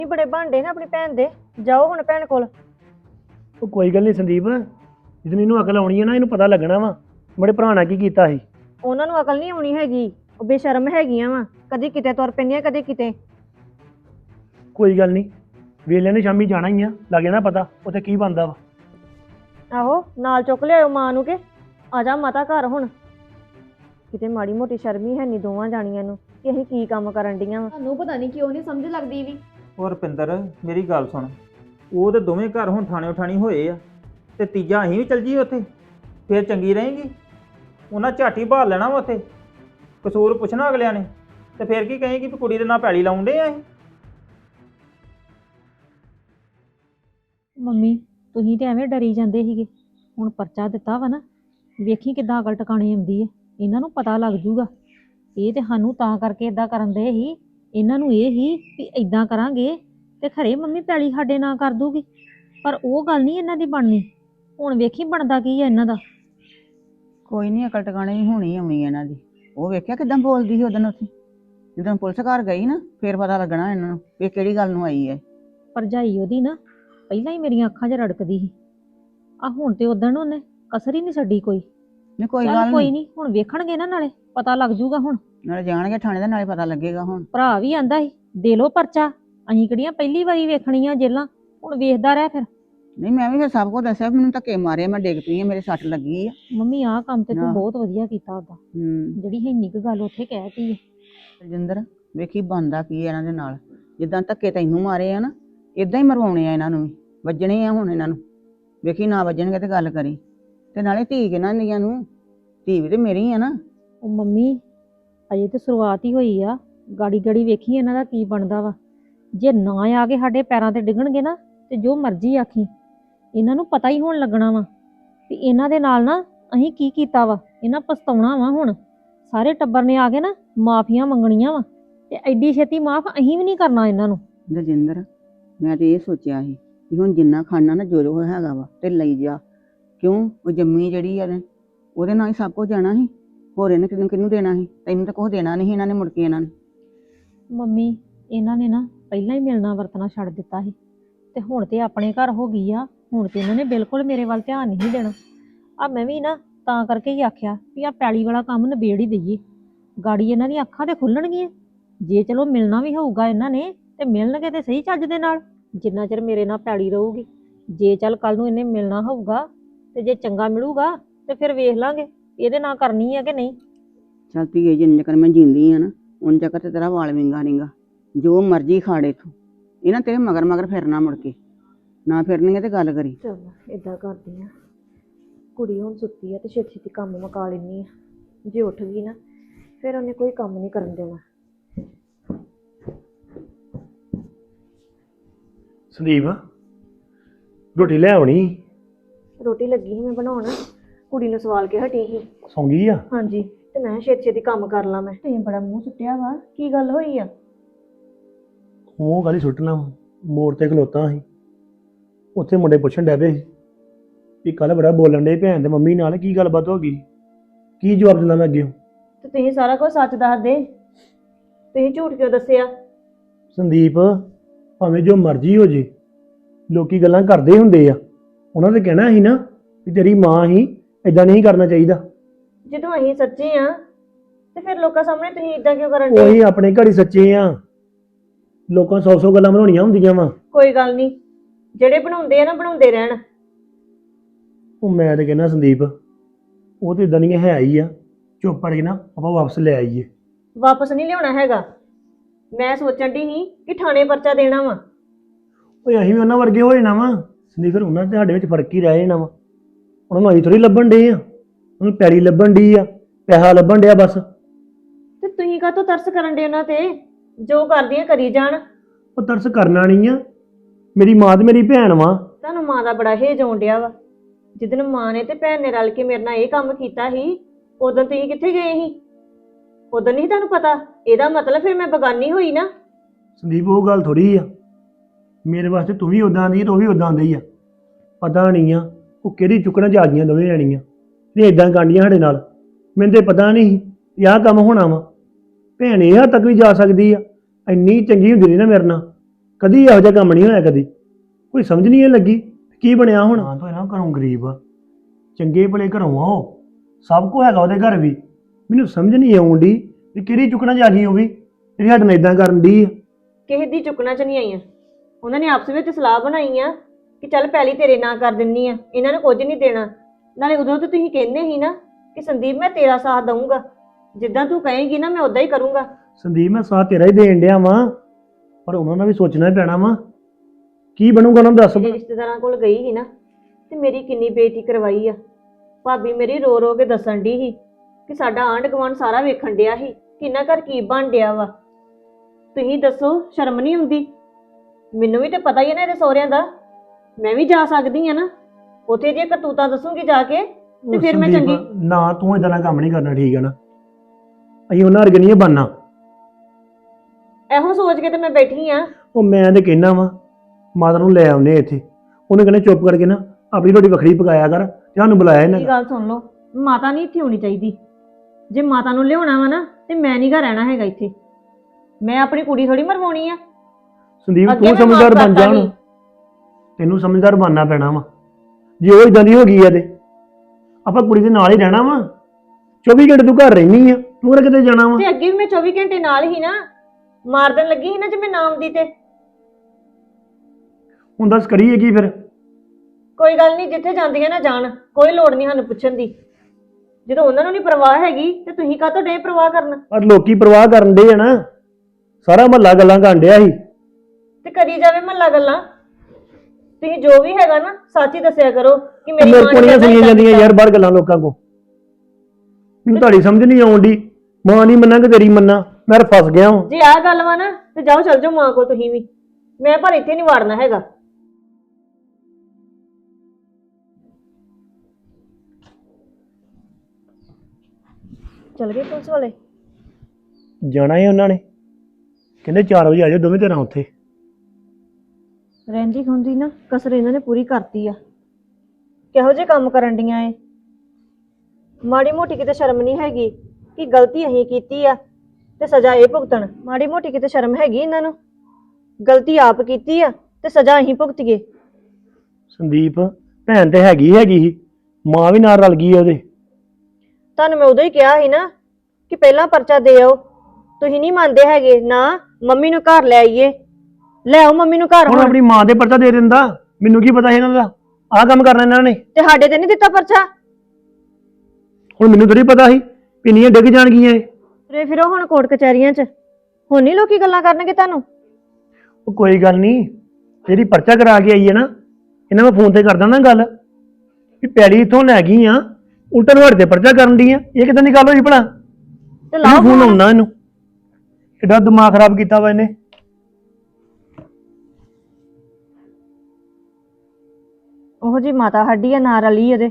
ਨਹੀਂ ਬੜੇ ਭਾਂਡੇ ਨਾ ਆਪਣੀ ਭੈਣ ਦੇ। ਜਾਓ ਹੁਣ ਭੈਣ ਕੋਲ। ਉਹ ਕੋਈ ਗੱਲ ਨਹੀਂ ਸੰਦੀਪ, ਜਦੋਂ ਇਹਨੂੰ ਅਕਲ ਆਉਣੀ ਹੈ ਨਾ, ਇਹਨੂੰ ਪਤਾ ਲੱਗਣਾ ਵਾ ਬੜੇ ਭਰਾ ਨਾਲ ਕੀ ਕੀਤਾ ਸੀ। ਉਹਨਾਂ ਨੂੰ ਅਕਲ ਨਹੀਂ ਆਉਣੀ ਹੈਗੀ, ਉਹ ਬੇਸ਼ਰਮ ਹੈਗੀਆਂ ਵਾ। ਕਦੀ ਕਿਤੇ ਤੁਰ ਪੈਂਦੀਆਂ, ਕਦੇ ਕਿਤੇ। ਕੋਈ ਗੱਲ ਨਹੀਂ, ਵੇਲੇ ਨੇ ਸ਼ਾਮੀ ਜਾਣਾ ਹੀ ਆ, ਲੱਗ ਜਾਣਾ ਪਤਾ ਉੱਥੇ ਕੀ ਬਣਦਾ ਵਾ। ਆਹੋ ਨਾਲ ਚੁੱਕ ਲਿਆਓ ਮਾਂ ਨੂੰ ਕਿ ਆ ਜਾ ਮਾਤਾ ਘਰ ਹੁਣ। ਕਿਤੇ ਮਾੜੀ ਮੋਟੀ ਸ਼ਰਮ ਹੀ ਹੈ ਨਹੀਂ ਦੋਵਾਂ ਜਾਣੀਆਂ ਨੂੰ ਕਿ ਅਸੀਂ ਕੀ ਕੰਮ ਕਰਨ ਡੀਆਂ ਵਾ। ਤੁਹਾਨੂੰ ਪਤਾ ਨਹੀਂ ਕਿਉਂ ਨਹੀਂ ਸਮਝ ਲੱਗਦੀ ਵੀ। ਉਹ ਰੁਪਿੰਦਰ ਮੇਰੀ ਗੱਲ ਸੁਣ, ਉਹ ਤੇ ਦੋਵੇਂ ਘਰ ਹੁਣ ਠਾਣੇ ਉਠਾਣੀ ਹੋਏ ਆ ਤੇ ਤੀਜਾ ਅਸੀਂ ਵੀ ਚੱਲ ਜੀਏ ਉੱਥੇ, ਫੇਰ ਚੰਗੀ ਰਹੇਗੀ। ਉਹਨਾਂ ਝਾਟੀ ਭਾਲ ਲੈਣਾ ਵਾ ਉੱਥੇ, ਕਸੂਰ ਪੁੱਛਣਾ ਅਗਲਿਆਂ ਨੇ ਤੇ ਫੇਰ ਕੀ ਕਹੇਗੀ ਵੀ ਕੁੜੀ ਦੇ ਨਾਲ ਪੈਲੀ ਲਾਉਂਦੇ ਆ ਅਸੀਂ। ਮੰਮੀ ਤੁਸੀਂ ਤੇ ਐਵੇਂ ਡਰੀ ਜਾਂਦੇ ਸੀਗੇ, ਹੁਣ ਪਰਚਾ ਦਿੱਤਾ ਵਾ ਨਾ, ਵੇਖੀ ਕਿੱਦਾਂ ਅਕਲ ਟਿਕਾਣੇ ਆਉਂਦੀ ਹੈ। ਇਹਨਾਂ ਨੂੰ ਪਤਾ ਲੱਗ ਜੂਗਾ। ਇਹ ਤੇ ਸਾਨੂੰ ਤਾਂ ਕਰਕੇ ਇਦਾਂ ਕਰਨ ਦੇ ਸੀ, ਇਹਨਾਂ ਨੂੰ ਇਹ ਹੀ ਵੀ ਇਦਾਂ ਕਰਾਂਗੇ ਤੇ ਖਰੇ ਮੰਮੀ ਪੈਲੀ ਸਾਡੇ ਨਾਂ ਕਰ ਦੂਗੀ, ਪਰ ਉਹ ਗੱਲ ਨਹੀਂ ਇਹਨਾਂ ਦੀ ਬਣਨੀ। ਹੁਣ ਵੇਖੀ ਬਣਦਾ ਕੀ ਹੈ ਇਹਨਾਂ ਦਾ। ਕੋਈ ਨਹੀਂ, ਅਕਲ ਟਿਕਾਣੇ ਹੀ ਹੋਣੀ ਆਉਣੀ ਇਹਨਾਂ ਦੀ। ਉਹ ਵੇਖਿਆ ਕਿਦਾਂ ਬੋਲਦੀ ਸੀ ਉਦੋਂ ਉੱਥੇ, ਜਦੋਂ ਪੁਲਿਸ ਘਰ ਗਈ ਨਾ ਫੇਰ ਪਤਾ ਲੱਗਣਾ ਇਹਨਾਂ ਨੂੰ ਵੀ ਕਿਹੜੀ ਗੱਲ ਨੂੰ ਆਈ ਹੈ। ਭਰਜਾਈ ਉਹਦੀ ਨਾ ਪਹਿਲਾਂ ਹੀ ਮੇਰੀਆਂ ਅੱਖਾਂ 'ਚ ਰੜਕਦੀ ਸੀ, ਆ ਹੁਣ ਤੇ ਉਦਣ ਉਹਨੇ ਕਸਰ ਹੀ ਨਹੀਂ ਛੱਡੀ ਕੋਈ। ਨਹੀਂ ਕੋਈ ਚੱਲ ਗੱਲ ਕੋਈ ਨਹੀਂ, ਨਹੀਂ, ਹੁਣ ਵੇਖਣਗੇ ਨਾ, ਨਾਲੇ ਪਤਾ ਲੱਗ ਜੂਗਾ। ਹੁਣ ਨਾਲੇ ਜਾਣਗੇ ਥਾਣੇ ਦਾ, ਨਾਲੇ ਪਤਾ ਲੱਗੇਗਾ। ਹੁਣ ਭਰਾ ਵੀ ਆਂਦਾ ਸੀ ਦੇ ਲੋ ਪਰਚਾ, ਅਸੀਂ ਕਿਹੜੀਆਂ ਪਹਿਲੀ ਵਾਰੀ ਵੇਖਣੀਆਂ ਜੇਲਾਂ, ਹੁਣ ਵੇਖਦਾ ਰਹਿ ਫਿਰ। ਨਹੀਂ ਮੈਂ ਵੀ ਫਿਰ ਸਭ ਕੁਝ ਦੱਸਿਆ, ਮੈਨੂੰ ਧੱਕੇ ਮਾਰੇ, ਮੈਂ ਡਿੱਗ ਪਈ ਆ, ਮੇਰੇ ਸੱਟ ਲੱਗੀ ਆ। ਮੰਮੀ ਆਹ ਕੰਮ ਤੇ ਤੂੰ ਆਹ। ਬਹੁਤ ਵਧੀਆ ਕੀਤਾ ਉਹਦਾ, ਜਿਹੜੀ ਇੰਨੀ ਕੁ ਗੱਲ ਉੱਥੇ ਕਹਿਤੀ ਹੈ। ਰਜਿੰਦਰ ਵੇਖੀ ਬਣਦਾ ਕੀ ਆ ਇਹਨਾਂ ਦੇ ਨਾਲ। ਜਿੱਦਾਂ ਧੱਕੇ ਤੈਨੂੰ ਮਾਰੇ ਆ ਨਾ, ਇਦਾਂ ਹੀ ਮਰਵਾਉਣੇ ਆ ਇਹਨਾਂ ਨੂੰ ਵੀ, ਵੱਜਣੇ ਆ ਹੁਣ ਇਹਨਾਂ ਨੂੰ। ਵੇਖੀ ਨਾ ਵੱਜਣਗੇ ਤੇ ਗੱਲ ਕਰੀ। ਤੇ ਨਾਲੇ ਧੀ ਕਿਹਨਾਂ ਦੀਆਂ ਨੂੰ, ਧੀ ਵੀ ਤੇ ਮੇਰੀ ਆ ਨਾ। ਉਹ ਮੰਮੀ ਅਜੇ ਤੇ ਸ਼ੁਰੂਆਤ ਹੀ ਹੋਈ ਆ, ਗਾੜੀ ਗਾੜੀ ਵੇਖੀ ਇਹਨਾਂ ਦਾ ਕੀ ਬਣਦਾ ਵਾ। ਜੇ ਨਾ ਆ ਕੇ ਸਾਡੇ ਪੈਰਾਂ ਤੇ ਡਿੱਗਣਗੇ ਨਾ ਤੇ ਜੋ ਮਰਜ਼ੀ ਆਖੀ, ਇਹਨਾਂ ਨੂੰ ਪਤਾ ਹੀ ਹੋਣ ਲੱਗਣਾ ਵਾ ਵੀ ਇਹਨਾਂ ਦੇ ਨਾਲ ਨਾ ਅਸੀਂ ਕੀ ਕੀਤਾ ਵਾ। ਇਹਨਾਂ ਪਛਤਾਉਣਾ ਵਾ ਹੁਣ। ਸਾਰੇ ਟੱਬਰ ਨੇ ਆ ਕੇ ਨਾ ਮਾਫੀਆਂ ਮੰਗਣੀਆਂ ਵਾ, ਤੇ ਐਡੀ ਛੇਤੀ ਮਾਫ ਅਸੀਂ ਵੀ ਨਹੀਂ ਕਰਨਾ ਇਹਨਾਂ ਨੂੰ। ਰਜਿੰਦਰ ਮੈਂ ਤੇ ਇਹ ਸੋਚਿਆ ਸੀ ਵੀ ਹੁਣ ਜਿੰਨਾ ਖਾਣਾ ਨਾ ਜੋ ਹੈਗਾ ਵਾ ਤੇ ਲਈ ਜਾ। ਕਿਉਂ ਉਹ ਜੰਮੀ ਜਿਹੜੀ ਆ ਉਹਦੇ ਨਾਲ ਹੀ ਸਭ ਕੁਝ ਜਾਣਾ ਸੀ, ਹੋਰ ਇਹਨੇ ਕਿਹਨੂੰ ਦੇਣਾ ਸੀ? ਤੈਨੂੰ ਤਾਂ ਕੁਛ ਦੇਣਾ ਨਹੀਂ ਇਹਨਾਂ ਨੇ ਮੁੜ ਕੇ। ਇਹਨਾਂ ਨੇ ਮੰਮੀ ਇਹਨਾਂ ਨੇ ਨਾ ਪਹਿਲਾਂ ਹੀ ਮਿਲਣਾ ਵਰਤਣਾ ਛੱਡ ਦਿੱਤਾ ਸੀ, ਤੇ ਹੁਣ ਤੇ ਆਪਣੇ ਘਰ ਹੋ ਗਈ ਆ। ਹੁਣ ਤੇ ਇਹਨਾਂ ਨੇ ਬਿਲਕੁਲ ਮੇਰੇ ਵੱਲ ਧਿਆਨ ਨਹੀਂ ਦੇਣਾ। ਆ ਮੈਂ ਵੀ ਨਾ ਤਾਂ ਕਰਕੇ ਹੀ ਆਖਿਆ ਵੀ ਆ ਪੈਲੀ ਵਾਲਾ ਕੰਮ ਨਿਬੇੜ ਹੀ ਦਈਏ, ਗਾੜੀ ਇਹਨਾਂ ਦੀਆਂ ਅੱਖਾਂ ਤੇ ਖੁੱਲਣਗੀਆਂ। ਜੇ ਚਲੋ ਮਿਲਣਾ ਵੀ ਹੋਊਗਾ ਇਹਨਾਂ ਨੇ ਤੇ ਮਿਲਣਗੇ ਤੇ ਸਹੀ ਚੱਜ ਦੇ ਨਾਲ, ਜਿੰਨਾ ਚਿਰ ਮੇਰੇ ਨਾਲ ਪੈਲੀ ਰਹੂਗੀ। ਜੇ ਚੱਲ ਕੱਲ ਨੂੰ ਇਹਨੇ ਮਿਲਣਾ ਹੋਊਗਾ ਤੇ ਜੇ ਚੰਗਾ ਮਿਲੂਗਾ ਤੇ ਫਿਰ ਵੇਖ ਲਾਂਗੇ ਇਹਦੇ ਨਾਲ ਕਰਨੀ ਹੈ ਕਿ ਨਹੀਂ। ਚੱਲ ਧੀਏ, ਜਿੰਨੇ ਚੱਕਰ ਮੈਂ ਜਿੰਦੀ ਆ ਨਾ ਉਨ ਚੱਕਰ ਤੇ ਤੇਰਾ ਵਾਲ ਵਿੰਗਾ ਨਹੀਂਗਾ। ਜੋ ਮਰਜ਼ੀ ਖਾੜੇ ਤੂੰ, ਇਹਨਾਂ ਤੇਰੇ ਮਗਰ ਮਗਰ ਫਿਰਨਾ, ਮੁੜ ਕੇ ਨਾ ਫਿਰਨਗੇ ਤੇ ਗੱਲ ਕਰੀ। ਚਲੋ ਏਦਾਂ ਕਰਦੀ ਆ, ਕੁੜੀ ਹੁਣ ਸੁੱਤੀ ਆ ਤੇ ਛੇਤੀ ਛੇਤੀ ਕੰਮ ਮੁਕਾ ਲੈਣੀ ਆ। ਜੇ ਉੱਠ ਗਈ ਨਾ ਫਿਰ ਉਹਨੇ ਕੋਈ ਕੰਮ ਨਹੀਂ ਕਰਨ ਦੇਣਾ। ਸੰਦੀਪ ਰੋਟੀ ਲੈ ਆਉਣੀ, ਰੋਟੀ ਲੱਗੀ ਸੀ ਮੈਂ ਬਣਾਉਣ, ਕੁੜੀ ਨੂੰ ਸਵਾਲ ਕੇ ਹਟੀ ਸੀ। ਸੌਂ ਗਈ ਆ? ਹਾਂਜੀ, ਤੇ ਮੈਂ ਛੇਤੀ ਛੇਤੀ ਕੰਮ ਕਰ ਲਾਂ। ਮੈਂ ਤੇ ਬੜਾ ਮੂੰਹ ਸੁੱਟਿਆ ਵਾ, ਕੀ ਗੱਲ ਹੋਈ ਆ? ਉਹ ਗੱਲ ਹੀ ਸੁੱਟਣਾ ਵਾ। ਮੋੜ ਤੇ ਖਲੋਤਾ ਸੀ, ਉੱਥੇ ਮੁੰਡੇ ਪੁੱਛਣ ਡੈ ਪਏ ਸੀ ਵੀ ਕੱਲ ਬੜਾ ਬੋਲਣ ਡੇ ਭੈਣ ਤੇ ਮੰਮੀ ਨਾਲ, ਕੀ ਗੱਲਬਾਤ ਹੋ ਗਈ? ਕੀ ਜਵਾਬ ਦਿੰਦਾ ਮੈਂ ਅੱਗੇ? ਤੇ ਤੁਸੀਂ ਸਾਰਾ ਕੁਝ ਸੱਚ ਦੱਸ ਦੇ, ਤੁਸੀਂ ਝੂਠ ਕਿਉਂ ਦੱਸਿਆ? ਸੰਦੀਪ ਭਾਵੇਂ ਜੋ ਮਰਜ਼ੀ ਹੋ ਜੇ, ਲੋਕੀ ਗੱਲਾਂ ਕਰਦੇ ਹੁੰਦੇ ਆ। ਉਹਨਾਂ ਨੇ ਕਹਿਣਾ ਸੀ ਨਾ ਵੀ ਤੇਰੀ ਮਾਂ ਹੀ, ਇਦਾਂ ਨਹੀਂ ਕਰਨਾ ਚਾਹੀਦਾ। ਜਦੋਂ ਅਸੀਂ ਸੱਚੇ ਆ ਤੇ ਫਿਰ ਲੋਕਾਂ ਸਾਹਮਣੇ ਤੁਸੀਂ ਇਦਾਂ ਕਿਉਂ ਕਰਨ ਉਹੀ ਦੇ? ਆਪਣੇ ਘੜੀ ਸੱਚੇ ਆ, ਲੋਕਾਂ 100 ਗੱਲਾਂ ਬਣਾਉਣੀਆਂ ਹੁੰਦੀਆਂ ਵਾ। ਕੋਈ ਗੱਲ ਨਹੀਂ, ਜਿਹੜੇ ਬਣਾਉਂਦੇ ਆ ਨਾ ਬਣਾਉਂਦੇ ਰਹਿਣ। ਉਹ ਮੈਂ ਤੇ ਕਹਿੰਦਾ ਸੰਦੀਪ, ਉਹ ਤੇ ਇਦਾਂ ਦੀਆਂ ਹੈ ਹੀ ਆ। ਚੁੱਪ ਕਰਕੇ ਨਾ ਆਪਾਂ ਵਾਪਸ ਲੈ ਆਈਏ। ਵਾਪਸ ਨਹੀਂ ਲਿਆਉਣਾ ਹੈਗਾ। ਮੈਂ ਸੋਚਣ ਦੀ ਸੀ ਕਿ ਥਾਣੇ ਪਰਚਾ ਦੇਣਾ ਵਾ। ਓਏ ਅਸੀਂ ਵੀ ਉਹਨਾਂ ਵਰਗੇ ਹੋ ਜਾਣਾ ਵਾ ਸੰਦੀਪ, ਫਿਰ ਉਹਨਾਂ ਤੇ ਸਾਡੇ ਵਿੱਚ ਫਰਕ ਹੀ ਰਹਿ ਜਾਣਾ ਵਾ। ਉਹਨਾਂ ਨੂੰ ਅਸੀਂ ਥੋੜੀ ਲੱਭਣ ਡੇ ਆ, ਉਹਨੂੰ ਪੈੜੀ ਲੱਭਣ ਡੀ ਆ, ਪੈਸਾ ਲੱਭਣ ਡਿਆ ਬਸ। ਤੇ ਤੁਸੀਂ ਕਾਹਤੋਂ ਤਰਸ ਕਰਨ ਦੇ ਉਹਨਾਂ ਤੇ? ਜੋ ਕਰਦੀਆਂ ਕਰੀ ਜਾਣ। ਉਹ ਤਰਸ ਕਰਨਾ ਨਹੀਂ ਆ, ਮੇਰੀ ਮਾਂ ਤੇ ਮੇਰੀ ਭੈਣ ਵਾ। ਤੁਹਾਨੂੰ ਮਾਂ ਦਾ ਬੜਾ ਹੇਜ ਆਉਣ ਡਿਆ ਵਾ। ਜਿੱਦਣ ਮਾਂ ਨੇ ਤੇ ਭੈਣ ਨੇ ਰਲ ਕੇ ਮੇਰੇ ਨਾਲ ਇਹ ਕੰਮ ਕੀਤਾ ਸੀ, ਉਦੋਂ ਤੁਸੀਂ ਕਿੱਥੇ ਗਏ ਸੀ? ਉਦੋਂ ਨਹੀਂ ਤੁਹਾਨੂੰ ਪਤਾ? ਇਹਦਾ ਮਤਲਬ ਫਿਰ ਮੈਂ ਬਗਾਨੀ ਹੋਈ ਨਾ। ਸੰਦੀਪ ਉਹ ਗੱਲ ਥੋੜੀ ਆ, ਮੇਰੇ ਵਾਸਤੇ ਤੂੰ ਵੀ ਉਦਾਂ ਦੀ ਤੇ ਉਹ ਵੀ ਉਦਾਂ ਦੀ ਆ। ਪਤਾ ਨਹੀਂ ਆ ਉਹ ਕਿਹੜੀ ਚੁੱਕਣਾ ਜਾ ਗਈਆਂ ਦੋਵੇਂ ਜਾਣੀਆਂ, ਨਹੀਂ ਇਦਾਂ ਕਾਂਡੀਆਂ ਸਾਡੇ ਨਾਲ। ਮੈਨੂੰ ਤੇ ਪਤਾ ਨਹੀਂ ਸੀ ਆਹ ਕੰਮ ਹੋਣਾ ਵਾ। ਭੈਣ ਇਹ ਹੱਦ ਤੱਕ ਵੀ ਜਾ ਸਕਦੀ ਆ, ਇੰਨੀ ਚੰਗੀ ਹੁੰਦੀ ਰਹੀ ਨਾ ਮੇਰੇ ਨਾਲ। ਕਦੀ ਇਹੋ ਜਿਹਾ ਕੰਮ ਨਹੀਂ ਹੋਇਆ ਕਦੀ। ਕੋਈ ਸਮਝ ਨਹੀਂ ਇਹ ਲੱਗੀ ਕੀ ਬਣਿਆ ਹੁਣ। ਹਾਂ ਤਾਂ ਇਹਨਾਂ ਘਰੋਂ ਗਰੀਬ ਆ, ਚੰਗੇ ਭਲੇ ਘਰੋਂ ਆ, ਉਹ ਸਭ ਕੁਝ ਹੈਗਾ ਉਹਦੇ ਘਰ ਵੀ। ਮੈਨੂੰ ਸਮਝ ਨਹੀਂ ਆਉਂਦੀ ਵੀ ਕਿਹੜੀ ਚੁੱਕਣਾ ਜਾ ਗਈ ਉਹ ਵੀ ਜਿਹੜੀ ਸਾਡੇ ਨਾਲ ਇਦਾਂ ਕਰਨ ਦੀ ਆ। ਕਿਸੇ ਦੀ ਚੁੱਕਣਾ ਚ ਨਹੀਂ ਆਈਆਂ, ਉਹਨਾਂ ਨੇ ਆਪਸ ਵਿੱਚ ਸਲਾਹ ਬਣਾਈ ਆ ਕਿ ਚੱਲ ਪਹਿਲੀ ਤੇਰੇ ਨਾਂ ਕਰ ਦਿੰਨੀ ਆ, ਇਹਨਾਂ ਨੂੰ ਕੁਝ ਨਹੀਂ ਦੇਣਾ। ਨਾਲੇ ਉਦੋਂ ਤਾਂ ਤੁਸੀਂ ਕਹਿੰਦੇ ਸੀ ਨਾ ਕਿ ਸੰਦੀਪ ਮੈਂ ਤੇਰਾ ਸਾਥ ਦਊਂਗਾ, ਜਿੱਦਾਂ ਤੂੰ ਕਹੇਂਗੀ ਨਾ ਮੈਂ ਉਦਾਂ ਹੀ ਕਰੂੰਗਾ। ਸੰਦੀਪ ਮੈਂ ਸਾਥ ਤੇਰਾ ਹੀ ਦੇਣ ਡਿਆ ਵਾਂ, ਪਰ ਉਹਨਾਂ ਨੂੰ ਵੀ ਸੋਚਣਾ ਹੀ ਪੈਣਾ ਵਾ ਕੀ ਬਣੂਗਾ ਉਹਨਾਂ ਨੂੰ ਦੱਸ। ਜੇ ਰਿਸ਼ਤੇਦਾਰਾਂ ਕੋਲ ਗਈ ਸੀ ਨਾ ਤੇ ਮੇਰੀ ਕਿੰਨੀ ਬੇਇੱਜ਼ਤੀ ਕਰਵਾਈ ਆ। ਭਾਬੀ ਮੇਰੀ ਰੋ ਰੋ ਕੇ ਦੱਸਣ ਡਈ ਸੀ ਕਿ ਸਾਡਾ ਆਂਢ ਗੁਆਂਢ ਸਾਰਾ ਵੇਖਣ ਡਿਆ ਸੀ ਕਿ ਇਹਨਾਂ ਘਰ ਕੀ ਬਣ ਡਿਆ ਵਾ। ਤੁਸੀਂ ਦੱਸੋ ਸ਼ਰਮ ਨਹੀਂ ਆਉਂਦੀ? ਮੈਨੂੰ ਵੀ ਤੇ ਪਤਾ ਹੀ ਹੈ ਨਾ ਇਹਦੇ ਸਹੁਰਿਆਂ ਦਾ, ਮੈਂ ਵੀ ਜਾ ਸਕਦੀ ਆ ਨਾ ਉੱਥੇ। ਜੇ ਕਰਤੂਤਾਂ ਦੱਸੂਗੀ ਜਾ ਕੇ ਤੇ ਫਿਰ ਮੈਂ ਸੰਦੀਪ, ਚੰਗੀ ਨਾ ਤੂੰ ਇਦਾਂ ਦਾ ਕੰਮ ਨਹੀਂ ਕਰਨਾ, ਠੀਕ ਹੈ ਨਾ? ਅਸੀਂ ਉਹਨਾਂ ਵਰਗੇ ਨਹੀਂ ਬਣਨਾ। ਇਹੋ ਸੋਚ ਕੇ ਤੇ ਮੈਂ ਬੈਠੀ ਆ। ਉਹ ਮੈਂ ਤੇ ਕਹਿਣਾ ਵਾ ਮਾਤਾ ਨੂੰ ਲੈ ਆਉਨੇ ਇੱਥੇ, ਉਹਨੇ ਕਹਿੰਦੇ ਚੁੱਪ ਕਰਕੇ ਨਾ ਆਪਣੀ ਰੋਟੀ ਵੱਖਰੀ ਪਕਾਇਆ ਕਰ, ਤੁਹਾਨੂੰ ਬੁਲਾਇਆ ਇਹਨਾਂ ਇਹ ਗੱਲ ਸੁਣ ਲਓ, ਮਾਤਾ ਨਹੀਂ ਇੱਥੇ ਹੋਣੀ ਚਾਹੀਦੀ। ਜੇ ਮਾਤਾ ਨੂੰ ਲਿਆਉਣਾ ਵਾ ਨਾ ਤੇ ਮੈਂ ਨਹੀਂ ਘਰ ਰਹਿਣਾ ਹੈਗਾ ਇੱਥੇ। ਮੈਂ ਆਪਣੀ ਕੁੜੀ ਥੋੜੀ ਮਰਵਾਉਣੀ ਆ। ਸੰਦੀਪ ਅੱਗੇ ਤੂੰ ਮੈਂ ਸਮਝਦਾਰ ਮਾਫ਼ ਬਣ ਜਾ ਕਰਤਾ ਹੁਣ, ਸੀ। ਤੈਨੂੰ ਸਮਝਦਾਰ ਬਣਨਾ ਪੈਣਾ ਵਾ। ਜੇ ਉਹ ਇਦਾਂ ਦੀ ਹੋ ਗਈ ਆ ਤੇ ਆਪਾਂ ਕੁੜੀ ਦੇ ਨਾਲ ਹੀ ਰਹਿਣਾ ਵਾ। 24 ਘੰਟੇ ਤੂੰ ਘਰ ਰਹਿਣੀ ਆ, ਤੂੰ ਕਿਹੜਾ ਕਿਤੇ ਜਾਣਾ ਵਾ? ਤੇ ਅੱਗੇ ਵੀ ਮੈਂ 24 ਘੰਟੇ ਨਾਲ ਹੀ ਨਾ, ਮਾਰ ਦੇਣ ਲੱਗੀ ਸੀ ਨਾ ਜੇ ਮੈਂ ਨਾਮ ਦੀ ਤੇ। ਹੁਣ ਦੱਸ ਕਰੀਏ ਕੀ ਫਿਰ? ਕੋਈ ਗੱਲ ਨਹੀਂ, ਜਿੱਥੇ ਜਾਂਦੀਆਂ ਨਾ ਜਾਣ, ਕੋਈ ਲੋੜ ਨਹੀਂ ਸਾਨੂੰ ਪੁੱਛਣ ਦੀ। ਜਦੋਂ ਉਹਨਾਂ ਨੂੰ ਨਹੀਂ ਪਰਵਾਹ ਹੈਗੀ ਤੇ ਤੁਸੀਂ ਕਾਹਤੋਂ ਡੇ ਪਰਵਾਹ ਕਰਨ? ਪਰ ਲੋਕੀ ਪਰਵਾਹ ਕਰਨ ਦੇ ਆ ਨਾ, ਸਾਰਾ ਮਹੱਲਾ ਗੱਲਾਂ ਕਰਨ ਡਿਆ ਸੀ। ਤੇ ਕਰੀ ਜਾਵੇ ਮਹੱਲਾ ਗੱਲਾਂ। ਤੁਸੀਂ ਜੋ ਵੀ ਹੈਗਾ ਨਾ ਸੱਚ ਹੀ ਦੱਸਿਆ ਕਰੋ ਕਿ ਮੇਰੀ ਮੇਰੇ ਮਾਂ ਕੋਲ ਨੇ ਨਹੀਂ ਏਦਾਂ ਸੁਣੀਆਂ ਜਾਂਦੀਆਂ ਕੀਤਾ। ਯਾਰ ਬਾਹਰ ਗੱਲਾਂ ਲੋਕਾਂ ਕੋ। ਮੈਨੂੰ ਤੁਹਾਡੀ ਸਮਝ ਨਹੀਂ ਆਉਂਦੀ, ਮਾਂ ਨਹੀਂ ਮੰਨਾਂਗੇ ਤੇਰੀ ਮੰਨਾਂ, ਮੈਂ ਤਾਂ ਫਸ ਗਿਆ ਹਾਂ। ਜੇ ਆਹ ਗੱਲ ਵਾ ਨਾ ਤੇ ਜਾਓ ਚਲ ਜਾਓ ਮਾਂ ਕੋਲ ਤੁਸੀਂ ਵੀ, ਮੈਂ ਪਰ ਇੱਥੇ ਨਹੀਂ ਵੜਨਾ ਹੈਗਾ। ਚਲ ਗਏ ਪੁਲਿਸ ਵਾਲੇ? ਜਾਣਾ ਹੀ ਉਹਨਾਂ ਨੇ, ਕਹਿੰਦੇ 4 ਵਜੇ ਆ ਜਾਓ ਦੋਵੇਂ ਧਿਰਾਂ ਉੱਥੇ। ਰਹਿੰਦੀ ਖੁੰਦੀ ਨਾ ਕਸਰ ਇਹਨਾਂ ਨੇ ਪੂਰੀ ਕਰਤੀ ਆ। ਕਿਹੋ ਜਿਹੇ ਕੰਮ ਕਰਨ ਡੀਆਂ ਏ? ਮਾੜੀ ਮੋਟੀ ਕਿਤੇ ਸ਼ਰਮ ਨਹੀਂ ਹੈਗੀ ਕਿ ਗਲਤੀ ਅਸੀਂ ਕੀਤੀ ਆ ਤੇ ਸਜ਼ਾ ਇਹ ਭੁਗਤਣ। ਮਾੜੀ ਮੋਟੀ ਕਿਤੇ ਸ਼ਰਮ ਹੈਗੀ ਇਹਨਾਂ ਨੂੰ? ਗਲਤੀ ਆਪ ਕੀਤੀ ਆ ਤੇ ਸਜ਼ਾ ਅਸੀਂ ਭੁਗਤੀਏ। ਸੰਦੀਪ ਭੈਣ ਤੇ ਹੈਗੀ ਸੀ, ਮਾਂ ਵੀ ਨਾਲ ਰਲ ਗਈ ਉਹਦੇ। ਤੁਹਾਨੂੰ ਮੈਂ ਉਦੋਂ ਹੀ ਕਿਹਾ ਸੀ ਨਾ ਕਿ ਪਹਿਲਾਂ ਪਰਚਾ ਦੇ ਆਓ, ਤੁਸੀਂ ਨਹੀਂ ਮੰਨਦੇ ਹੈਗੇ। ਨਾ ਮੰਮੀ ਨੂੰ ਘਰ ਲੈ ਆਈਏ, ਲੈ ਆਓ ਮੰਮੀ ਨੂੰ ਘਰ ਹੁਣ ਹੁਣ। ਆਪਣੀ ਮਾਂ ਦੇ ਪਰਚਾ ਦੇ ਦਿੰਦਾ, ਮੈਨੂੰ ਕੀ ਪਤਾ ਸੀ ਇਹਨਾਂ ਦਾ ਆਹ ਕੰਮ ਕਰਨਾ ਇਹਨਾਂ ਨੇ। ਤੇ ਸਾਡੇ ਤੇ ਨਹੀਂ ਦਿੱਤਾ ਪਰਚਾ? ਹੁਣ ਮੈਨੂੰ ਥੋੜੀ ਪਤਾ ਸੀ ਪਿੰਨੀਆਂ ਡਿੱਗ ਜਾਣਗੀਆਂ ਇਹ। ਤੁਰੇ ਫਿਰੋ ਹੁਣ ਕੋਰਟ ਕਚਹਿਰੀਆਂ 'ਚ, ਹੁਣ ਨਹੀਂ ਲੋਕੀ ਗੱਲਾਂ ਕਰਨਗੇ ਤੁਹਾਨੂੰ। ਉਹ ਕੋਈ ਗੱਲ ਨਹੀਂ, ਜਿਹੜੀ ਪਰਚਾ ਕਰਾ ਕੇ ਆਈ ਹੈ ਨਾ, ਇਹਨਾਂ ਮੈਂ ਫੋਨ ਤੇ ਕਰਦਾ ਨਾ ਗੱਲ ਵੀ ਪੈੜੀ ਇੱਥੋਂ ਲੈ ਗਈ ਆ, ਉਲਟਾ ਨਵਾੜ ਤੇ ਪਰਚਾ ਕਰਨ ਦੀ ਆ। ਇਹ ਕਿਦਾਂ ਦੀ ਗੱਲ ਹੋਈ ਭਲਾ? ਤੇ ਲਾਓ ਫੋਨ phone। ਆਉਂਦਾ ਇਹਨੂੰ, ਕਿੱਡਾ ਦਿਮਾਗ ਖਰਾਬ ਕੀਤਾ ਵਾ ਇਹਨੇ। ਉਹੋ ਜੀ ਮਾਤਾ ਸਾਡੀ ਆ, ਨਾ ਰਲੀ ਇਹਦੇ।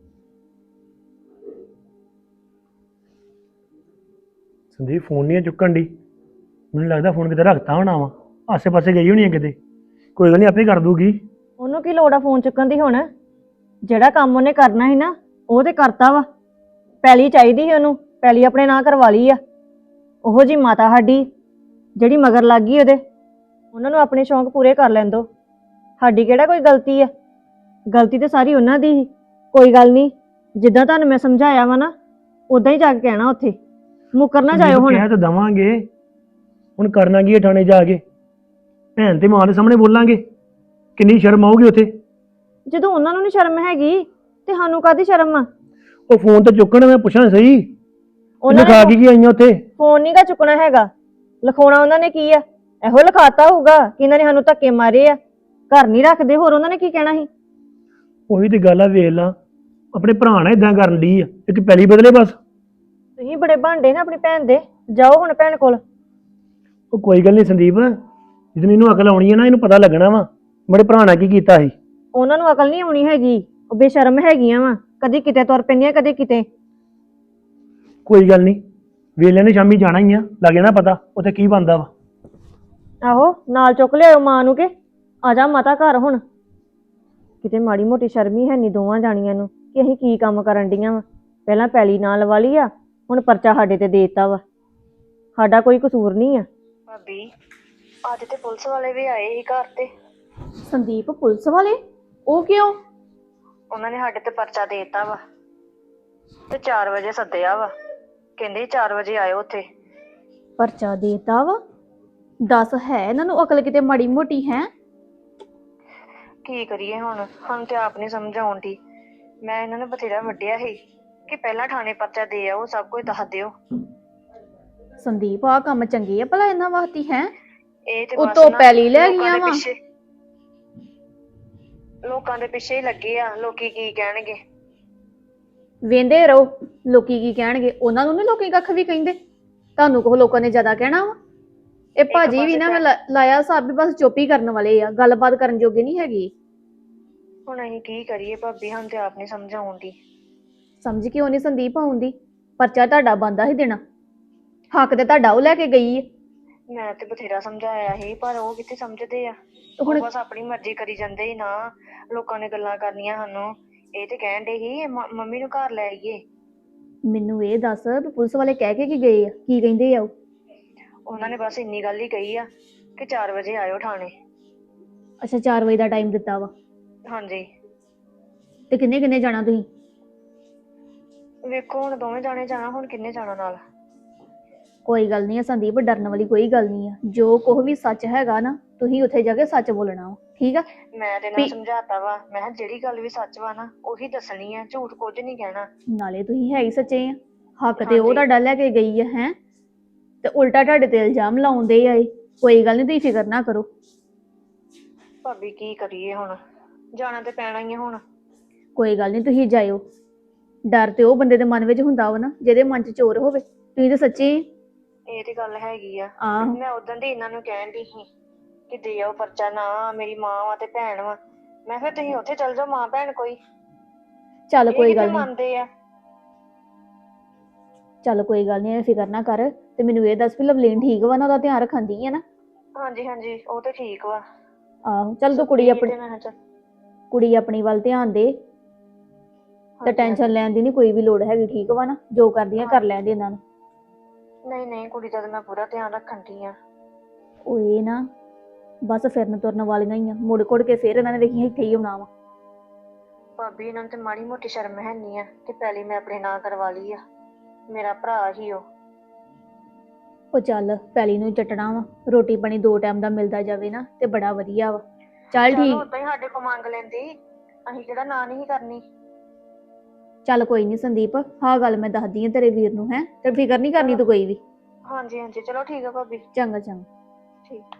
ਸੰਦੀਪ ਫੋਨ ਨਹੀਂ ਚੁੱਕਣ ਦੀ, ਮੈਨੂੰ ਲੱਗਦਾ ਫੋਨ ਕਿਤੇ ਰੱਖਤਾ ਹੋਣਾ ਵਾ, ਆਸੇ ਪਾਸੇ ਗਈ ਹੋਣੀ ਹੈ ਕਿਤੇ। ਕੋਈ ਗੱਲ ਨਹੀਂ, ਆਪੇ ਕਰ ਦੂਗੀ। ਉਹਨੂੰ ਕੀ ਲੋੜ ਆ ਫੋਨ ਚੁੱਕਣ ਦੀ? ਹੁਣ ਜਿਹੜਾ ਕੰਮ ਉਹਨੇ ਕਰਨਾ ਸੀ ਨਾ ਉਹ ਤੇ ਕਰਤਾ ਵਾ। ਪੈਲੀ ਚਾਹੀਦੀ ਸੀ ਉਹਨੂੰ, ਪੈਲੀ ਆਪਣੇ ਨਾਂ ਕਰਵਾ ਲਈ ਆ। ਉਹੋ ਜੀ ਮਾਤਾ ਸਾਡੀ ਜਿਹੜੀ ਮਗਰ ਲੱਗ ਗਈ ਉਹਦੇ। ਉਹਨਾਂ ਨੂੰ ਆਪਣੇ ਸ਼ੌਂਕ ਪੂਰੇ ਕਰ ਲੈਣ ਦਿਓ, ਸਾਡੀ ਕਿਹੜਾ ਕੋਈ ਗਲਤੀ ਆ? ਗਲਤੀ ਤੇ ਸਾਰੀ ਉਹਨਾਂ ਦੀ ਸੀ। ਕੋਈ ਗੱਲ ਨਹੀਂ, ਜਿੱਦਾਂ ਤੁਹਾਨੂੰ ਮੈਂ ਸਮਝਾਇਆ ਵਾ ਨਾ ਉਦਾਂ ਹੀ ਜਾ ਕੇ ਕਹਿਣਾ ਉੱਥੇ, ਮੁੱਕਰ ਨਾ ਜਾਇਓ ਹੁਣ। ਕਹਿ ਤਾਂ ਦਵਾਂਗੇ, ਹੁਣ ਕਰਨਾ ਕੀ ਹੈ ਥਾਣੇ ਜਾ ਕੇ? ਭੈਣ ਤੇ ਮਾਂ ਦੇ ਸਾਹਮਣੇ ਬੋਲਾਂਗੇ, ਕਿੰਨੀ ਸ਼ਰਮ ਆਊਗੀ ਉੱਥੇ। ਜਦੋਂ ਉਹਨਾਂ ਨੂੰ ਨਹੀਂ ਸ਼ਰਮ ਹੈਗੀ ਤੇ ਸਾਨੂੰ ਕਾਹਦੀ ਸ਼ਰਮ ਆ? ਉਹ ਫੋਨ ਤੇ ਚੁੱਕਣ, ਮੈਂ ਪੁੱਛਾਂ ਸਹੀ ਉਹਨਾਂ ਲਿਖਾ ਨੇ ਕੇ ਕੀ ਆਈਆਂ ਉੱਥੇ? ਫੋਨ ਨਹੀਂ ਗਾ ਚੁੱਕਣਾ ਹੈਗਾ, ਲਿਖਾਉਣਾ ਉਹਨਾਂ ਨੇ ਕੀ ਆ? ਇਹੋ ਲਿਖਾਤਾ ਹੋਊਗਾ ਕਿ ਇਹਨਾਂ ਨੇ ਸਾਨੂੰ ਧੱਕੇ ਮਾਰੇ ਆ, ਘਰ ਨਹੀਂ ਰੱਖਦੇ। ਹੋਰ ਉਹਨਾਂ ਨੇ ਕੀ ਕਹਿਣਾ ਸੀ? ਉਹੀ ਤੇ ਗੱਲ ਆ, ਵੇਖ ਲਾ ਆਪਣੇ ਭਰਾ ਨਾਲ ਇਦਾਂ ਕਰਨ ਦੀ ਆ, ਇੱਕ ਪਹਿਲੀ ਬਦਲੇ ਬਸ। ਤੁਸੀਂ ਬੜੇ ਭਾਂਡੇ ਨਾ ਆਪਣੀ ਭੈਣ ਦੇ, ਜਾਓ ਹੁਣ ਭੈਣ ਕੋਲ। ਉਹ ਕੋਈ ਗੱਲ ਨਹੀਂ ਸੰਦੀਪ, ਜਦੋਂ ਇਹਨੂੰ ਅਕਲ ਆਉਣੀ ਹੈ ਨਾ, ਇਹਨੂੰ ਪਤਾ ਲੱਗਣਾ ਵਾ ਮੇਰੇ ਭਰਾ ਨਾਲ ਕੀ ਕੀਤਾ ਸੀ। ਉਹਨਾਂ ਨੂੰ ਅਕਲ ਨਹੀਂ ਆਉਣੀ ਹੈਗੀ, ਉਹ ਬੇਸ਼ਰਮ ਹੈਗੀਆਂ ਵਾ, ਕਦੀ ਕਿਤੇ ਤੁਰ ਪੈਂਦੀਆਂ ਕਦੇ ਕਿਤੇ। ਕੋਈ ਗੱਲ ਨਹੀਂ, ਵੇਲੇ ਨੇ ਸ਼ਾਮੀ ਜਾਣਾ ਹੀ ਆ, ਲੱਗ ਜਾਣਾ ਪਤਾ ਉੱਥੇ ਕੀ ਬਣਦਾ ਵਾ। ਆਹੋ ਨਾਲ ਚੁੱਕ ਲਿਆਓ ਮਾਂ ਨੂੰ, ਕਿ ਆ ਜਾ ਮਾਤਾ ਘਰ ਹੁਣ। ਕਿਤੇ ਮਾੜੀ ਮੋਟੀ ਸ਼ਰਮੀ ਹੈ ਨਹੀਂ ਦੋਵਾਂ ਜਾਣੀਆਂ ਨੂੰ ਕਿ ਅਸੀਂ ਕੀ ਕੰਮ ਕਰਨ ਡੀਆਂ ਵਾ। ਪਹਿਲਾਂ ਪੈਲੀ ਨਾਲ ਲਵਾ ਲਈ ਆ, ਹੁਣ ਪਰਚਾ ਸਾਡੇ ਤੇ ਦੇ ਦਿੱਤਾ ਵਾ। ਸਾਡਾ ਕੋਈ ਕਸੂਰ ਨਹੀਂ ਆ। ਭਾਬੀ ਅੱਜ ਤੇ ਪੁਲਿਸ ਵਾਲੇ ਵੀ ਆਏ ਸੀ ਘਰ ਤੇ। ਸੰਦੀਪ ਪੁਲਿਸ ਵਾਲੇ? ਉਹ ਕਿਉਂ? ਉਹਨਾਂ ਨੇ ਸਾਡੇ ਤੇ ਪਰਚਾ ਦੇ ਦਿੱਤਾ ਵਾ ਤੇ 4 ਵਜੇ ਸੱਦਿਆ ਵਾ। ਕਹਿੰਦੇ 4 ਵਜੇ ਆਇਓ ਉੱਥੇ। ਪਰਚਾ ਦੇਤਾ ਵਾ? ਦੱਸ, ਹੈ ਇਹਨਾਂ ਨੂੰ ਅਕਲ ਕਿਤੇ ਮਾੜੀ ਮੋਟੀ ਹੈ? ਕੀ ਕਰੀਏ ਹੁਣ ਤੇ ਆਪ ਨਹੀਂ ਸਮਝ ਆਉਂਦੀ। ਮੈਂ ਇਹਨਾਂ ਨੂੰ ਬਥੇਰਾ ਵੱਢਿਆ ਸੀ ਕਿ ਪਹਿਲਾਂ ਥਾਣੇ ਪਰਚਾ ਦੇ ਆਓ, ਸਭ ਕੁਝ ਦੱਸ ਦਿਓ। ਸੰਦੀਪ ਆਹ ਕੰਮ ਚੰਗੇ ਆ ਭਲਾ ਇਹਨਾਂ ਵਾਸਤੇ ਹੈ? ਇਹ ਤੇ ਉਤੋਂ ਨਾ ਪੈਲੀ ਲੈ ਲੋਕਾਂ ਗਈਆਂ ਦੇ ਵਾ। ਲੋਕਾਂ ਦੇ ਪਿੱਛੇ ਹੀ ਲੱਗੇ ਆ। ਲੋਕੀ ਕੀ ਕਹਿਣਗੇ? ਵੇਂਦੇ ਰਹੋ ਲੋਕੀ ਕੀ ਕਹਿਣਗੇ। ਉਹਨਾਂ ਨੂੰ ਨੀ ਲੋਕੀ ਕੱਖ ਵੀ ਕਹਿੰਦੇ, ਤੁਹਾਨੂੰ ਕੋ ਲੋਕਾਂ ਨੇ ਜ਼ਿਆਦਾ ਕਹਿਣਾ ਵਾ। ਇਹ ਭਾਜੀ ਵੀ ਨਾ ਮੈਂ ਲਾਇਆ ਹਿਸਾਬ ਵੀ ਬਸ ਚੁੱਪ ਹੀ ਕਰਨ ਵਾਲੇ ਆ, ਗੱਲਬਾਤ ਕਰਨ ਜੋਗੇ ਨਹੀਂ ਹੈਗੇ। ਹੁਣ ਅਸੀਂ ਕੀ ਕਰੀਏ ਭਾਬੀ, ਤੇ ਆਪ ਨਹੀਂ ਸਮਝ ਆਉਂਦੀ। ਸਮਝ ਕਿਉਂ ਨਹੀਂ ਸੰਦੀਪ ਆਉਂਦੀ? ਪਰਚਾ ਤੁਹਾਡਾ ਬੰਦਾ ਹੀ ਦੇਣਾ, ਹੱਕ ਤੇ ਤੁਹਾਡਾ ਉਹ ਲੈ ਕੇ ਗਈ ਹੈ। ਮੈਂ ਤੇ ਬਥੇਰਾ ਸਮਝਾਇਆ ਸੀ ਪਰ ਉਹ ਕਿੱਥੇ ਸਮਝਦੇ ਆ। ਹੁਣ ਬਸ ਆਪਣੀ ਮਰਜ਼ੀ ਕਰੀ ਜਾਂਦੇ ਹੀ ਨਾ। ਲੋਕਾਂ ਨੇ ਗੱਲਾਂ ਕਰਨੀਆਂ ਸਾਨੂੰ। ਇਹ ਤੇ ਕਹਿਣ ਦੇ ਸੀ ਮੰਮੀ ਨੂੰ ਘਰ ਲੈ ਆਈਏ। ਮੈਨੂੰ ਇਹ ਦੱਸ ਵੀ ਪੁਲਿਸ ਵਾਲੇ ਕਹਿ ਕੇ ਕੀ ਗਏ ਆ, ਕੀ ਕਹਿੰਦੇ ਆ ਉਹ? ਉਹਨਾਂ ਨੇ ਬਸ ਇੰਨੀ ਗੱਲ ਹੀ ਕਹੀ ਆ ਕਿ 4 ਵਜੇ ਆਇਓ ਥਾਣੇ। ਅੱਛਾ 4 ਵਜੇ ਦਾ ਟਾਈਮ ਦਿੱਤਾ ਵਾ। ਹਾਂਜੀ। ਤੇ ਕਿੰਨੇ ਕਿੰਨੇ ਜਾਣਾ ਤੁਸੀਂ? ਵੇਖੋ ਹੁਣ ਦੋਵੇਂ ਜਾਣੇ ਜਾਣਾ, ਹੁਣ ਕਿੰਨੇ ਜਾਣਾ ਨਾਲ? ਕੋਈ ਗੱਲ ਨਹੀਂ ਆ ਸੰਦੀਪ, ਡਰਨ ਵਾਲੀ ਕੋਈ ਗੱਲ ਨਹੀਂ ਆ। ਜੋ ਕੁਛ ਵੀ ਸੱਚ ਹੈਗਾ ਨਾ, ਤੁਸੀਂ ਉੱਥੇ ਜਾ ਕੇ ਸੱਚ ਬੋਲਣਾ ਵਾ, ਠੀਕ ਆ? ਮੈਂ ਤੇ ਨਾ ਸਮਝਾਤਾ ਵਾ। ਮੈਂ ਕਿਹਾ ਜਿਹੜੀ ਗੱਲ ਵੀ ਸੱਚ ਵਾ ਨਾ ਉਹੀ ਦੱਸਣੀ ਆ, ਝੂਠ ਕੁਝ ਨਹੀਂ ਕਹਿਣਾ। ਨਾਲੇ ਤੁਸੀਂ ਹੈ ਹੀ ਸੱਚੇ ਆ, ਹੱਕ ਤੇ ਉਹ ਤੁਹਾਡਾ ਲੈ ਕੇ ਗਈ ਆ ਹੈ, ਤੇ ਉਲਟਾ ਤੁਹਾਡੇ ਤੇ ਇਲਜ਼ਾਮ ਲਾਉਂਦੇ ਆ ਇਹ। ਕੋਈ ਗੱਲ ਨਹੀਂ, ਤੁਸੀਂ ਫਿਕਰ ਨਾ ਕਰੋ। ਭਾਬੀ ਕੀ ਕਰੀਏ ਹੁਣ, ਜਾਣਾ ਤੇ ਪੈਣਾ ਹੀ ਆ ਹੁਣ। ਕੋਈ ਗੱਲ ਨਹੀਂ, ਤੁਸੀਂ ਜਾਇਓ। ਡਰ ਤੇ ਉਹ ਬੰਦੇ ਦੇ ਮਨ ਵਿੱਚ ਹੁੰਦਾ ਵਾ ਨਾ ਜਿਹਦੇ ਮਨ 'ਚ ਚੋਰ ਹੋਵੇ। ਤੁਸੀਂ ਤਾਂ ਸੱਚੇ ਆ। ਇਹ ਤੇ ਗੱਲ ਹੈਗੀ ਆ। ਆਹੋ ਮੈਂ ਉਦੋਂ ਦੀ ਇਹਨਾਂ ਨੂੰ ਕਹਿਣ ਦੀ ਸੀ ਕਿ ਦੇ ਆਓ ਪਰਚਾ। ਨਾ ਮੇਰੀ ਮਾਂ ਵਾ ਤੇ ਭੈਣ ਵਾ। ਮੈਂ ਫਿਰ ਤੁਸੀਂ ਉੱਥੇ ਚਲ ਜਾਓ, ਮਾਂ ਭੈਣ ਕੋਈ। ਚੱਲ ਕੋਈ ਇਹ ਗੱਲ ਕਿੱਥੇ ਨਹੀਂ, ਮੰਨਦੇ ਆ। ਚੱਲ ਕੋਈ ਗੱਲ ਨਹੀਂ, ਫਿਕਰ ਨਾ ਕਰ। ਤੇ ਮੈਨੂੰ ਇਹ ਦੱਸ ਵੀ ਲਵਲੀਨ ਠੀਕ ਵਾ ਨਾ, ਉਹਦਾ ਧਿਆਨ ਰੱਖਾਂਦੀ ਹੈ ਨਾ? ਹਾਂਜੀ ਹਾਂਜੀ, ਉਹ ਤੇ ਠੀਕ ਵਾ। ਆਹੋ ਚੱਲ ਤੂੰ ਕੁੜੀ ਆਪਣੀ ਵੱਲ ਧਿਆਨ ਦੇ ਤੇ ਟੈਨਸ਼ਨ ਲੈਣ ਦੀ ਨਹੀਂ ਕੋਈ ਵੀ ਲੋੜ ਹੈਗੀ, ਠੀਕ ਵਾ ਨਾ? ਜੋ ਕਰਦੀਆਂ ਕਰ ਲੈਣ ਦੇ ਇਹਨਾਂ ਨੂੰ। ਨਹੀਂ ਨਹੀਂ, ਕੁੜੀ ਦਾ ਤਾਂ ਮੈਂ ਪੂਰਾ ਧਿਆਨ ਰੱਖਣ ਦੀ ਆ। ਉਹ ਇਹ ਨਾ ਬਸ ਫਿਰਨ ਤੁਰਨ ਵਾਲੀਆਂ ਹੀ ਆ, ਮੁੜ ਕੁੜ ਕੇ ਫੇਰ ਇਹਨਾਂ ਨੇ ਵੇਖੀ ਇੱਥੇ ਹੀ ਆਉਣਾ ਵਾ। ਭਾਬੀ ਇਹਨਾਂ ਨੂੰ ਤੇ ਮਾੜੀ ਮੋਟੀ ਸ਼ਰਮ ਹੈ ਨਹੀਂ ਆ ਕਿ ਪਹਿਲੀ ਮੈਂ ਆਪਣੇ ਨਾਂ ਕਰਵਾ ਲਈ ਆ। ਮੇਰਾ ਭਰਾ ਹੀ ਉਹ ਚੱਲ ਪੈਲੀ ਨੂੰ ਚੱਟਣਾ ਵਾ, ਰੋਟੀ ਪਾਣੀ 2 ਟਾਈਮ ਦਾ ਮਿਲਦਾ ਜਾਵੇ ਨਾ ਤੇ ਬੜਾ ਵਧੀਆ ਵਾ। ਚੱਲ ਠੀਕ। ਉਦਾਂ ਹੀ ਸਾਡੇ ਕੋਲ ਮੰਗ ਲੈਂਦੀ, ਅਸੀਂ ਕਿਹੜਾ ਨਾਂ ਨਹੀਂ ਕਰਨੀ। ਚੱਲ ਕੋਈ ਨਹੀਂ ਸੰਦੀਪ, ਹਾਂ ਗੱਲ ਮੈਂ ਦੱਸਦੀ ਆ ਤੇਰੇ ਵੀਰ ਨੂੰ, ਹੈ ਤੇ ਫਿਕਰ ਨਹੀਂ ਕਰਨੀ ਤੂੰ ਕੋਈ ਵੀ। ਹਾਂਜੀ ਹਾਂਜੀ, ਚਲੋ ਠੀਕ ਆ ਭਾਬੀ। ਚੰਗਾ ਚੰਗਾ। ਠੀਕ।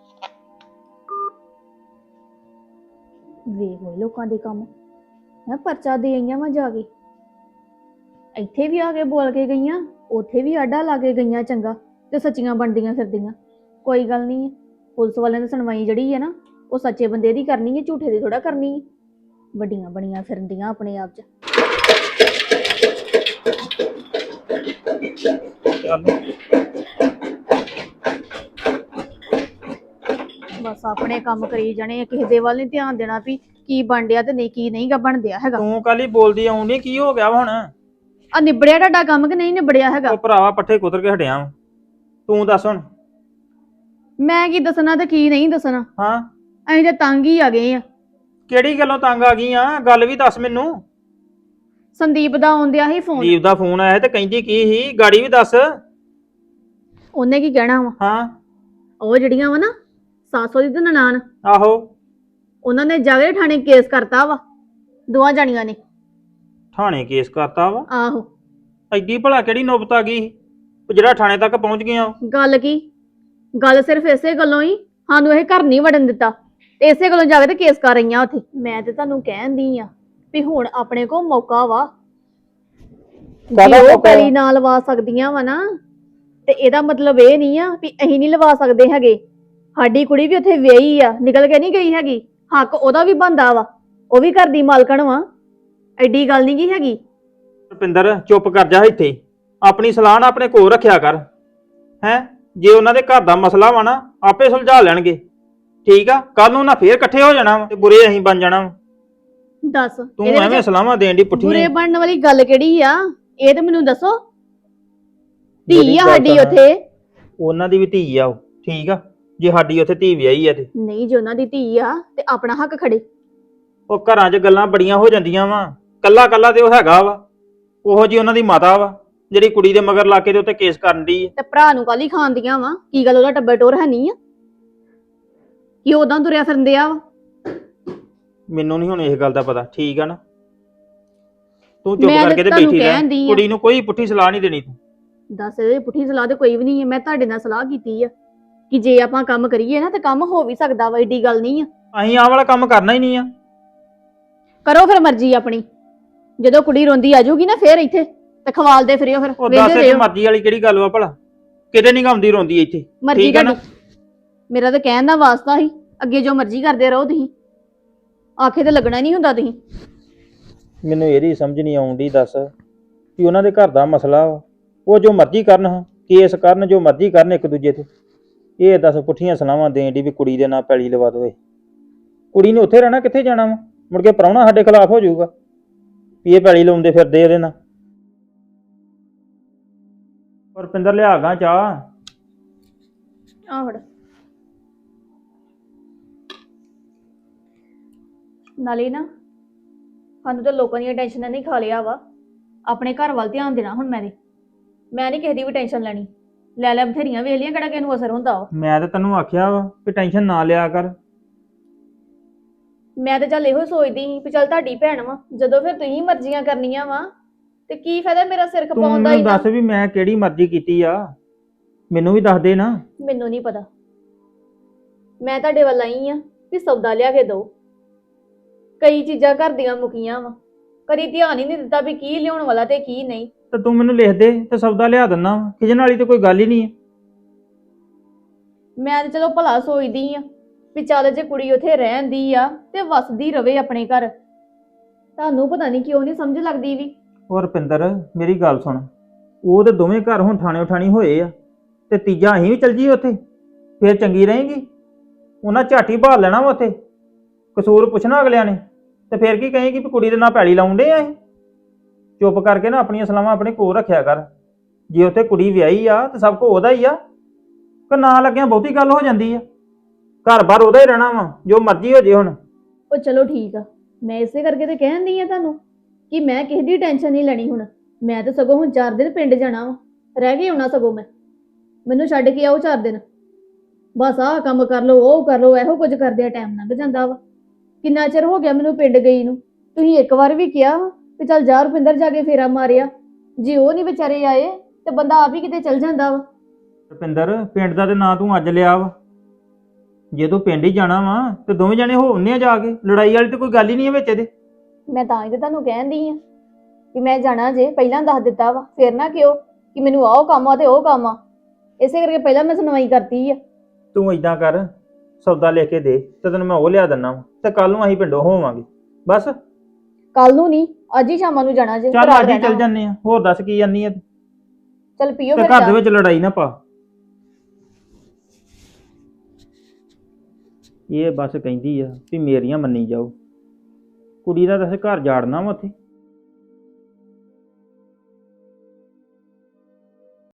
ਵੇਖ ਹੋਏ ਲੋਕਾਂ ਦੇ ਕੰਮ। ਮੈਂ ਪਰਚਾ ਦੇ ਆਈਆਂ ਵਾ ਜਾ ਕੇ, ਇੱਥੇ ਵੀ ਆ ਕੇ ਬੋਲ ਕੇ ਗਈਆਂ, ਉੱਥੇ ਵੀ ਆਡਾ ਲਾ ਕੇ ਗਈਆਂ, ਚੰਗਾ ਤੇ ਸੱਚੀਆਂ ਬਣਦੀਆਂ ਫਿਰਦੀਆਂ। ਕੋਈ ਗੱਲ ਨਹੀਂ, ਪੁਲਿਸ ਵਾਲਿਆਂ ਦੀ ਸੁਣਵਾਈ ਜਿਹੜੀ ਹੈ ਨਾ ਉਹ ਸੱਚੇ ਬੰਦੇ ਦੀ ਕਰਨੀ ਹੈ, ਝੂਠੇ ਦੀ ਥੋੜਾ ਕਰਨੀ ਹੈ। ਵੱਡੀਆਂ ਬਣੀਆਂ ਫਿਰਦੀਆਂ ਆਪਣੇ ਆਪ 'ਚ। ਬਸ ਆਪਣੇ ਕੰਮ ਕਰੀ ਜਾਣੇ, ਕਿਸੇ ਦੇ ਵੱਲ ਨਹੀਂ ਧਿਆਨ ਦੇਣਾ ਵੀ ਕੀ ਬਣ ਡਿਆ ਤੇ ਨਹੀਂ, ਕੀ ਨਹੀਂ ਗਾ ਬਣਦਿਆ ਹੈਗਾ। ਤੂੰ ਕੱਲ ਹੀ ਬੋਲਦੀ ਆਉਂਦੀ, ਕੀ ਹੋ ਗਿਆ ਵਾ ਹੁਣ? ਆ ਨਿਬੜਿਆ ਤੁਹਾਡਾ ਕੰਮ ਕਿ ਨਹੀਂ ਨਿਬੜਿਆ ਹੈਗਾ? ਉਹ ਭਰਾਵਾ ਪੱਠੇ ਕੁਤਰ ਕੇ ਹਟਿਆ ਵਾਂ। ਤੂੰ ਦੱਸ ਹੁਣ। ਮੈਂ ਕੀ ਦੱਸਣਾ ਤੇ ਕੀ ਨਹੀਂ ਦੱਸਣਾ। ਹਾਂ, ਅਸੀਂ ਤੇ ਤੰਗ ਹੀ ਆ ਗਏ ਆ। ਕਿਹੜੀ ਗੱਲੋਂ ਤੰਗ ਆ ਗਈ ਆ? ਗੱਲ ਵੀ ਦੱਸ ਮੈਨੂੰ। ਸੰਦੀਪ ਦਾ ਆਉਂਦਿਆ ਸੀ ਫੋਨ। ਦੀਪ ਦਾ ਫੋਨ ਆਇਆ ਤੇ ਕਹਿੰਦੀ ਕੀ ਸੀ? ਗਾੜੀ ਵੀ ਦੱਸ। ਉਹਨੇ ਕੀ ਕਹਿਣਾ ਵਾ? ਹਾਂ, ਉਹ ਜਿਹੜੀਆਂ ਵਾ ਨਾ ਸਾਸੋ ਦੀ ਤੇ ਨਨਾਣ, ਆਹੋ। ਉਹਨਾਂ ਨੇ ਜਾ ਕੇ ਥਾਣੇ ਕੇਸ ਕਰਤਾ ਵਾ, ਦੋਵਾਂ ਜਾਣੀਆਂ ਨੇ। ਥਾਣੇ ਕੇਸ ਕਰਤਾ ਵਾ? ਆਹੋ। ਐਡੀ ਭਲਾ ਕਿਹੜੀ ਨੌਬਤ ਆ ਗਈ ਜਿਹੜਾ ਥਾਣੇ ਤੱਕ ਪਹੁੰਚ ਗਈਆਂ? ਗੱਲ ਕੀ? ਗੱਲ ਸਿਰਫ ਇਸੇ ਗੱਲੋਂ ਹੀ ਸਾਨੂੰ ਇਹ ਘਰ ਨਹੀਂ ਵੜਨ ਦਿੱਤਾ, ਤੇ ਇਸੇ ਗੱਲੋਂ ਜਾ ਕੇ ਤੇ ਕੇਸ ਕਰ ਰਹੀਆਂ ਉੱਥੇ। ਮੈਂ ਤੇ ਤੁਹਾਨੂੰ ਕਹਿੰਦੀ ਆ ਵੀ ਹੁਣ ਆਪਣੇ ਕੋਲ ਮੌਕਾ ਵਾ, ਜੇ ਉਹ ਪੈਲੀ ਨਾ ਲਵਾ ਸਕਦੀਆਂ ਵਾ ਨਾ, ਤੇ ਇਹਦਾ ਮਤਲਬ ਇਹ ਨਹੀਂ ਆ ਵੀ ਅਸੀਂ ਨਹੀਂ ਲਵਾ ਸਕਦੇ ਹੈਗੇ। ਸਾਡੀ ਕੁੜੀ ਵੀ ਉੱਥੇ ਵਿਆਹੀ ਆ, ਨਿਕਲ ਕੇ ਨਹੀਂ ਗਈ ਹੈਗੀ, ਹੱਕ ਉਹਦਾ ਵੀ ਬਣਦਾ ਵਾ, ਉਹ ਵੀ ਘਰ ਦੀ ਮਾਲਕਣ ਵਾ। ਐਡੀ ਗੱਲ ਨਹੀਂ ਗੀ ਹੈਗੀ। ਰੁਪਿੰਦਰ ਚੁੱਪ ਕਰ ਜਾ ਇੱਥੇ, ਆਪਣੀ ਸਲਾਹ ਨਾ ਆਪਣੇ ਕੋਲ ਰੱਖਿਆ ਕਰ। ਹੈ ਜੇ ਉਹਨਾਂ ਦੇ ਘਰ ਦਾ ਮਸਲਾ ਵਾ ਨਾ ਆਪੇ ਸੁਲਝਾ ਲੈਣਗੇ, ਠੀਕ ਆ? ਕੱਲ ਨੂੰ ਨਾ ਫੇਰ ਇਕੱਠੇ ਹੋ ਜਾਣਾ ਵਾ ਤੇ ਬੁਰੇ ਅਸੀਂ ਬਣ ਜਾਣਾ ਵਾ। ਦੱਸ ਤੂੰ ਐਵੇਂ ਸਲਾਹਾਂ ਦੇਣ ਦੀ ਪੁੱਠੀ। ਬੁਰੇ ਬਣਨ ਵਾਲੀ ਗੱਲ ਕਿਹੜੀ ਆ? ਇਹ ਤੇ ਮੈਨੂੰ ਦੱਸੋ। ਧੀ ਆ ਸਾਡੀ ਉੱਥੇ। ਉਹਨਾਂ ਦੀ ਵੀ ਧੀ ਆ ਉਹ, ਠੀਕ ਆ? ਜੇ ਸਾਡੀ ਉੱਥੇ ਧੀ ਵਿਆਹੀ ਆ ਤੇ ਨਹੀਂ ਜੇ ਉਹਨਾਂ ਦੀ ਧੀ ਆ ਤੇ ਆਪਣਾ ਹੱਕ ਖੜੇ। ਉਹ ਘਰਾਂ 'ਚ ਗੱਲਾਂ ਬੜੀਆਂ ਹੋ ਜਾਂਦੀਆਂ ਵਾ। ਕੱਲਾ ਕੱਲਾ ਤੇ ਉਹ ਹੈਗਾ ਵਾ, ਉਹੋ ਜੀ ਉਹਨਾਂ ਦੀ ਮਾਤਾ ਵਾ ਜਿਹੜੀ ਕੁੜੀ ਦੇ ਮਗਰ ਲਾ ਕੇ ਦੇ ਉੱਤੇ ਕੇਸ ਕਰਨ ਦੀ ਤੇ ਭਰਾ ਨੂੰ ਕਾਲੀ ਖਾਂਦੀਆਂ ਵਾ, ਕੀ ਗੱਲ ਉਹਦਾ ਟੱਬਰ ਟੋਰ ਹੈ ਨਹੀਂ ਆ ਕਿ ਉਦਾਂ ਤੁਰਿਆ ਫਿਰਦੇ ਆ ਵਾ। ਮੈਨੂੰ ਨਹੀਂ ਹੁਣ ਇਸ ਗੱਲ ਦਾ ਪਤਾ, ਠੀਕ ਆ ਨਾ। ਤੂੰ ਚੁੱਪ ਮੈਂ ਕਰਕੇ ਤੇ ਤੁਹਾਨੂੰ ਬੈਠੀ ਰਹਿ, ਕਹਿਣ ਡਈ ਆ। ਕੁੜੀ ਨੂੰ ਕੋਈ ਪੁੱਠੀ ਸਲਾਹ ਨਹੀਂ ਦੇਣੀ ਤੂੰ। ਦੱਸ ਇਹ ਪੁੱਠੀ ਸਲਾਹ ਤੇ ਕੋਈ ਵੀ ਨਹੀਂ ਹੈ। ਮੈਂ ਤੁਹਾਡੇ ਨਾਲ ਸਲਾਹ ਕੀਤੀ ਆ ਕਿ ਜੇ ਆਪਾਂ ਕੰਮ ਕਰੀਏ ਨਾ ਤੇ ਕੰਮ ਹੋ ਵੀ ਸਕਦਾ ਵਾ, ਏਡੀ ਗੱਲ ਨਹੀਂ ਆ। ਅਸੀਂ ਆਹ ਵਾਲਾ ਕੰਮ ਕਰਨਾ ਹੀ ਨਹੀਂ ਆ। ਕਰੋ ਫਿਰ ਮਰਜ਼ੀ ਆਪਣੀ, ਜਦੋਂ ਕੁੜੀ ਰੋਂਦੀ ਆ ਜਾਊਗੀ ਨਾ ਫੇਰ ਇੱਥੇ ਤੇ ਖਵਾਲਦੇ ਫਿਰਿਓ, ਫਿਰ ਉਹ ਵੇਂਦੇ ਦੱਸ ਰਹੋ। ਮਰਜ਼ੀ ਵਾਲੀ ਕਿਹੜੀ ਗੱਲ ਵਾ ਭਲਾ, ਕਿਤੇ ਨਹੀਂ ਗਾਉਂਦੀ ਰੋਂਦੀ ਇੱਥੇ। ਮਰਜ਼ੀ ਠੀਕ ਆ ਨਾ? ਤੁਹਾਡੀ, ਮੇਰਾ ਤਾਂ ਕਹਿਣ ਦਾ ਵਾਸਤਾ ਸੀ, ਅੱਗੇ ਜੋ ਮਰਜ਼ੀ ਕਰਦੇ ਰਹੋ ਤੁਸੀਂ, ਆਖੇ ਤੇ ਲੱਗਣਾ ਨਹੀਂ ਹੁੰਦਾ ਤੁਸੀਂ। ਮੈਨੂੰ ਇਹਦੀ ਸਮਝ ਨਹੀਂ ਆਉਂਦੀ, ਦੱਸ ਕਿ ਉਹਨਾਂ ਦੇ ਘਰ ਦਾ ਮਸਲਾ ਵਾ, ਉਹ ਜੋ ਮਰਜ਼ੀ ਕਰਨ, ਹਾਂ ਕੇਸ ਕਰਨ, ਜੋ ਮਰਜ਼ੀ ਕਰਨ ਇੱਕ ਦੂਜੇ ਤੇ। ਇਹ ਦੱਸ ਪੁੱਠੀਆਂ ਸਲਾਹਾਂ ਦੇਣ ਦੀ ਵੀ ਕੁੜੀ ਦੇ ਨਾਂ ਪੈਲੀ ਲਵਾ ਦੋਵੇ। ਕੁੜੀ ਨੇ ਉੱਥੇ ਰਹਿਣਾ, ਕਿੱਥੇ ਜਾਣਾ ਵਾ? ਮੁੜ ਕੇ ਪ੍ਰਾਹੁਣਾ ਸਾਡੇ ਖਿਲਾਫ ਹੋ ਜਾਊਗਾ ਵੀ ਇਹ ਪੈਲੀ ਲਾਉਂਦੇ ਫਿਰਦੇ ਇਹਦੇ ਨਾਲ। ਪਰ ਰੁਪਿੰਦਰ ਲਿਆ ਗਾ ਚਾਹ। ਆਹ ਫੜ। ਨਾਲੇ ਨਾ ਸਾਨੂੰ ਤਾਂ ਲੋਕਾਂ ਦੀਆਂ ਟੈਨਸ਼ਨਾਂ ਨਹੀਂ ਖਾ ਲਿਆ ਵਾ, ਆਪਣੇ ਘਰ ਵੱਲ ਧਿਆਨ ਦੇਣਾ ਹੁਣ। ਮੈਂ ਨਹੀਂ ਕਿਸੇ ਦੀ ਵੀ ਟੈਨਸ਼ਨ ਲੈਣੀ। ਲੈ ਲੈ ਬਥੇਰੀਆਂ ਵੇਖ ਲੀਆਂ, ਕਿਹੜਾ ਕਿਸੇ ਨੂੰ ਅਸਰ ਹੁੰਦਾ ਵਾ। ਮੈਂ ਤਾਂ ਤੈਨੂੰ ਆਖਿਆ ਵਾ ਕਿ ਟੈਨਸ਼ਨ ਨਾ ਲਿਆ ਕਰ। ਮੈਂ ਤਾਂ ਚੱਲ ਇਹੋ ਸੋਚਦੀ ਸੀ ਵੀ ਚੱਲ ਤੁਹਾਡੀ ਭੈਣ ਵਾ, ਜਦੋਂ ਫਿਰ ਤੁਸੀਂ ਮਰਜ਼ੀਆਂ ਕਰਨੀਆਂ ਵਾ ਤੇ ਕੀ ਫਾਇਦਾ ਮੇਰਾ ਸਿਰ ਤੂੰ ਖਪਾਉਣ ਦਾ। ਮੈਨੂੰ ਦੱਸ ਵੀ ਮੈਂ ਕਿਹੜੀ ਮਰਜ਼ੀ ਕੀਤੀ ਆ, ਮੈਨੂੰ ਵੀ ਦੱਸ ਦੇ ਨਾ। ਮੈਨੂੰ ਨਹੀਂ ਪਤਾ, ਮੈਂ ਤੁਹਾਡੇ ਵੱਲ ਆਈ ਆ ਵੀ ਸੌਦਾ ਲਿਆ ਕੇ ਦਿਓ। ਕਈ ਚੀਜ਼ਾਂ ਘਰ ਦੀਆਂ ਮੁੱਕੀਆਂ ਵਾ, ਕਦੀ ਧਿਆਨ ਹੀ ਨਹੀਂ ਦਿੱਤਾ ਵੀ ਕੀ ਲਿਆਉਣ ਵਾਲਾ ਤੇ ਕੀ ਨਹੀਂ। ਤੇ ਤੂੰ ਮੈਨੂੰ ਲਿਖ ਦੇ ਤੇ ਸੌਦਾ ਲਿਆ ਦਿੰਦਾ। ਖਿਜਣ ਵਾਲੀ ਤੇ ਕੋਈ ਗੱਲ ਹੀ ਨਹੀਂ ਹੈ। ਮੈਂ ਤਾਂ ਚਲੋ ਭਲਾ ਸੋਚਦੀ ਆ ਵੀ ਚੱਲ ਜੇ ਕੁੜੀ ਉੱਥੇ ਰਹਿੰਦੀ ਆ ਤੇ ਵਸਦੀ ਰਵੇ ਆਪਣੇ ਘਰ। ਤੁਹਾਨੂੰ ਪਤਾ ਨਹੀਂ ਕਿਉਂ ਨਹੀਂ ਸਮਝ ਲੱਗਦੀ ਵੀ। ਉਹ ਰੁਪਿੰਦਰ ਮੇਰੀ ਗੱਲ ਸੁਣ, ਉਹ ਤੇ ਦੋਵੇਂ ਘਰ ਹੁਣ ਠਾਣੇ ਉਠਾਣੀ ਹੋਏ ਆ, ਤੇ ਤੀਜਾ ਅਸੀਂ ਵੀ ਚੱਲ ਜੀਏ ਉੱਥੇ, ਫੇਰ ਚੰਗੀ ਰਹੇਗੀ। ਉਹਨਾਂ ਝਾਟੀ ਭਾਲ ਲੈਣਾ ਵਾ ਉੱਥੇ, ਕਸੂਰ ਪੁੱਛਣਾ ਅਗਲਿਆਂ ਨੇ, ਤੇ ਫੇਰ ਕੀ ਕਹੇਗੀ ਵੀ ਕੁੜੀ ਦੇ ਨਾਲ ਪੈਲੀ ਲਾਉਂਦੇ ਆ ਅਸੀਂ। ਚੁੱਪ ਕਰਕੇ ਨਾ ਆਪਣੀਆਂ ਸਲਾਹਾਂ ਆਪਣੇ ਕੋਲ ਰੱਖਿਆ ਕਰ। ਜੇ ਉੱਥੇ ਕੁੜੀ ਵਿਆਹੀ ਆ ਤੇ ਸਭ ਕੁਝ ਉਹਦਾ ਹੀ ਆ, ਕਿ ਨਾ ਲੱਗਿਆ ਬਹੁਤੀ ਗੱਲ ਹੋ ਜਾਂਦੀ ਆ। ਘਰ-ਬਾਰ ਉਹਦਾ ਹੀ ਰਹਿਣਾ ਵਾ, ਜੋ ਮਰਜ਼ੀ ਹੋ ਜੇ ਹੁਣ। ਉਹ ਚਲੋ ਠੀਕ ਆ, ਮੈਂ ਇਸੇ ਕਰਕੇ ਤੇ ਕਹਿੰਦੀ ਆ ਤੁਹਾਨੂੰ ਕਿ ਮੈਂ ਕਿਸੇ ਦੀ ਟੈਨਸ਼ਨ ਨਹੀਂ ਲੈਣੀ ਹੁਣ। ਮੈਂ ਤਾਂ ਸਗੋਂ ਹੁਣ 4 ਦਿਨ ਪਿੰਡ ਜਾਣਾ ਵਾ, ਰਹਿ ਕੇ ਆਉਣਾ ਸਗੋਂ ਮੈਂ। ਮੈਨੂੰ ਛੱਡ ਕੇ ਆਓ 4 ਦਿਨ, ਬਸ ਆਹ ਕੰਮ ਕਰ ਲਓ, ਉਹ ਕਰ ਲਓ, ਇਹੋ ਕੁਝ ਕਰਦੇ ਆ ਟਾਈਮ ਲੰਘ ਜਾਂਦਾ ਵਾ। ਕਿੰਨਾ ਚਿਰ ਹੋ ਗਿਆ ਮੈਨੂੰ ਪਿੰਡ ਗਈ ਨੂੰ। ਤੁਸੀਂ ਇੱਕ ਵਾਰ ਵੀ ਕਿਹਾ ਵੀ ਚੱਲ ਜਾ ਰੁਪਿੰਦਰ ਜਾ ਕੇ ਫੇਰਾ ਮਾਰਿਆ, ਜੇ ਉਹ ਨਹੀਂ ਵਿਚਾਰੇ ਆਏ ਤੇ ਬੰਦਾ ਆਪ ਹੀ ਕਿਤੇ ਚੱਲ ਜਾਂਦਾ ਵਾ। ਰੁਪਿੰਦਰ ਪਿੰਡ ਦਾ ਤੇ ਨਾਂ ਤੂੰ ਅੱਜ ਲਿਆ ਵਾ, ਜੇ ਤੂੰ ਪਿੰਡ ਹੀ ਜਾਣਾ ਵਾ ਤੇ ਦੋਵੇਂ ਜਣੇ ਹੋਣੇ ਆ ਜਾ ਕੇ। ਲੜਾਈ ਵਾਲੀ ਤੇ ਕੋਈ ਗੱਲ ਹੀ ਨਹੀਂ ਹੈ ਵਿੱਚ ਇਹਦੇ। ਮੈਂ ਤਾਂ ਹੀ ਤੇ ਤੁਹਾਨੂੰ ਕਹਿੰਦੀ ਆ ਕਿ ਮੈਂ ਜਾਣਾ, ਜੇ ਪਹਿਲਾਂ ਦੱਸ ਦਿੱਤਾ ਵਾ ਫੇਰ ਨਾ ਕਿਉਂ ਕਿ ਮੈਨੂੰ ਆਹ ਕੰਮ ਆ ਤੇ ਉਹ ਕੰਮ ਆ। ਇਸੇ ਕਰਕੇ ਪਹਿਲਾਂ ਮੈਂ ਸੁਣਵਾਈ ਕਰਤੀ ਆ। ਤੂੰ ਇਦਾਂ ਕਰ, ਸੌਦਾ ਲੈ ਕੇ ਦੇ ਤੇ ਤੈਨੂੰ ਮੈਂ ਉਹ ਲਿਆ ਦਿੰਦਾ ਵਾ, ਤੇ ਕੱਲ ਨੂੰ ਅਸੀਂ ਪਿੰਡੋਂ ਹੋਵਾਂਗੇ। ਬਸ ਕੱਲ ਨੂੰ ਨਹੀਂ, ਅੱਜ ਹੀ ਸ਼ਾਮਾਂ ਨੂੰ ਜਾਣਾ ਜੇ। ਚੱਲ ਰਾਤ ਅੱਜ ਹੀ ਰਹਿਣਾ ਚੱਲ ਵਾ। ਜੰਨੇ ਆ। ਹੋਰ ਦੱਸ ਕੀ ਜਾਨੀ ਆ? ਚੱਲ ਪੀਓ ਤੇ ਫਿਰ ਘਰ ਦੇ ਚਾਹ। ਵਿੱਚ ਲੜਾਈ ਨਾ ਪਾ। ਇਹ ਬਸ ਕਹਿੰਦੀ ਆ ਵੀ ਮੇਰੀਆਂ ਮੰਨੀ ਜਾਓ। ਕੁੜੀ ਦਾ ਤਾਂ ਘਰ ਜਾੜਨਾ ਵਾ ਉੱਥੇ।